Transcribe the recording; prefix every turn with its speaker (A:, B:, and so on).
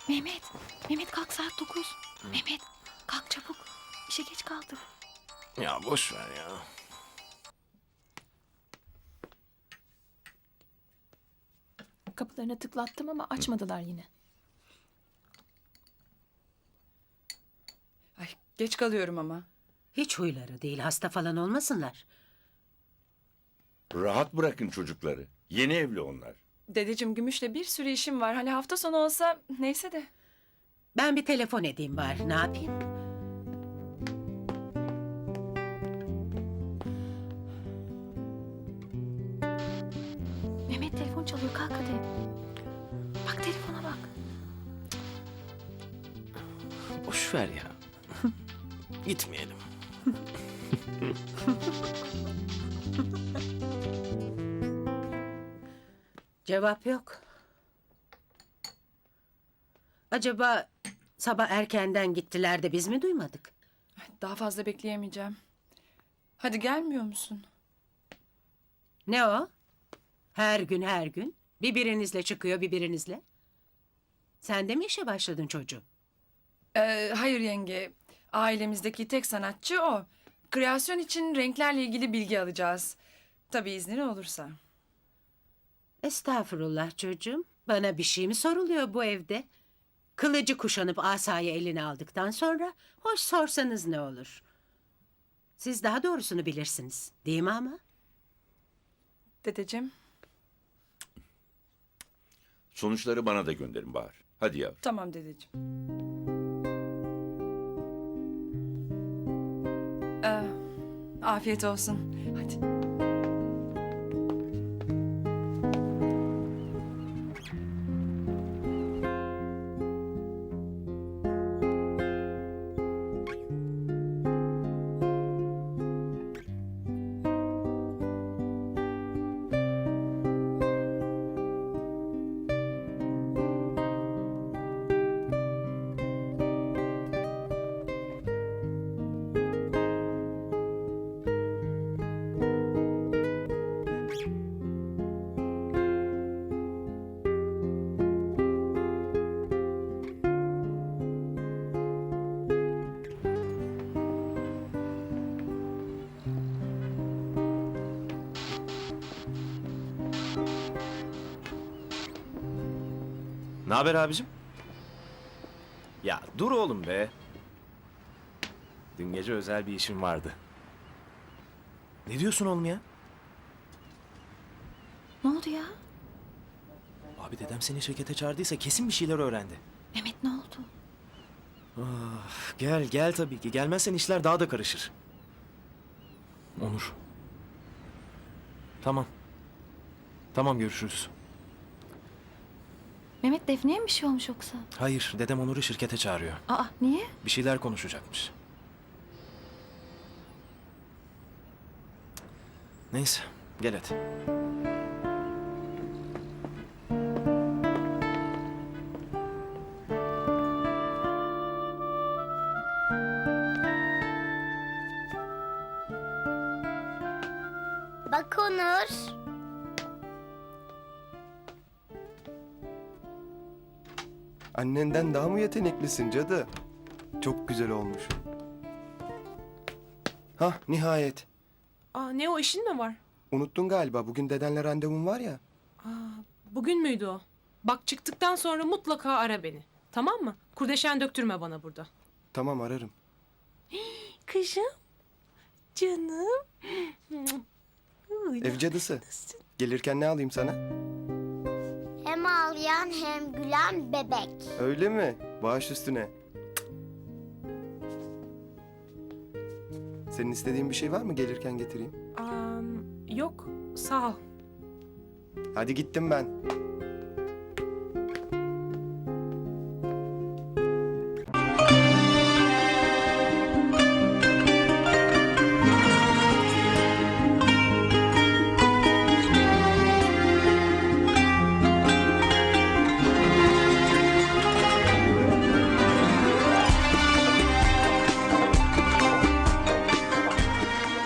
A: Mehmet, Mehmet kalk saat 9. Mehmet kalk çabuk. İşe geç kaldık.
B: Ya boş ver ya.
A: Kapılarına tıklattım ama açmadılar yine.
C: Ay, geç kalıyorum ama.
D: Hiç huyları değil, hasta falan olmasınlar.
E: Rahat bırakın çocukları. Yeni evli onlar.
C: Dedeciğim Gümüş'le bir sürü işim var. Hani hafta sonu olsa neyse de.
D: Ben bir telefon edeyim bari, ne yapayım?
A: Mehmet telefon çalıyor kalk hadi. Bak telefona bak.
B: Boş ver ya. Gitmeyelim.
D: Cevap yok. Acaba sabah erkenden gittiler de biz mi duymadık?
C: Ay, daha fazla bekleyemeyeceğim. Hadi gelmiyor musun?
D: Ne o? Her gün birbirinizle çıkıyor birbirinizle. Sen de mi işe başladın çocuğum?
C: Hayır yenge. Ailemizdeki tek sanatçı o. Kreasyon için renklerle ilgili bilgi alacağız. Tabii iznin olursa.
D: Estağfurullah çocuğum. Bana bir şey mi soruluyor bu evde? Kılıcı kuşanıp asayı eline aldıktan sonra hoş sorsanız ne olur? Siz daha doğrusunu bilirsiniz, değil mi ama?
C: Dedeciğim.
E: Sonuçları bana da gönderin Bahar. Hadi yavrum.
C: Tamam dedeciğim. Afiyet olsun. Hadi.
B: Ne haber abicim? Ya dur oğlum be. Dün gece özel bir işim vardı. Ne diyorsun oğlum ya?
A: Ne oldu ya?
B: Abi dedem seni şirkete çağırdıysa kesin bir şeyler öğrendi.
A: Mehmet ne oldu?
B: Gel tabii ki. Gelmezsen işler daha da karışır. Onur. Tamam. Tamam görüşürüz.
A: Mehmet Defne'ye mi bir şey olmuş yoksa?
B: Hayır dedem Onur'u şirkete çağırıyor.
A: Aa niye?
B: Bir şeyler konuşacakmış. Neyse gel hadi.
F: Bak Onur.
G: Annenden daha mı yeteneklisin cadı? Çok güzel olmuş. Hah nihayet.
H: Aa, ne o işin mi var?
G: Unuttun galiba bugün dedenle randevum var ya.
H: Bugün müydü o? Bak çıktıktan sonra mutlaka ara beni. Tamam mı? Kurdeşen döktürme bana burada.
G: Tamam ararım.
H: Kızım. Canım.
G: Ev cadısı. Gelirken ne alayım sana?
F: Hem ağlayan hem gülen bebek.
G: Öyle mi? Baş üstüne. Senin istediğin bir şey var mı gelirken getireyim?
H: Yok sağ ol.
G: Hadi gittim ben.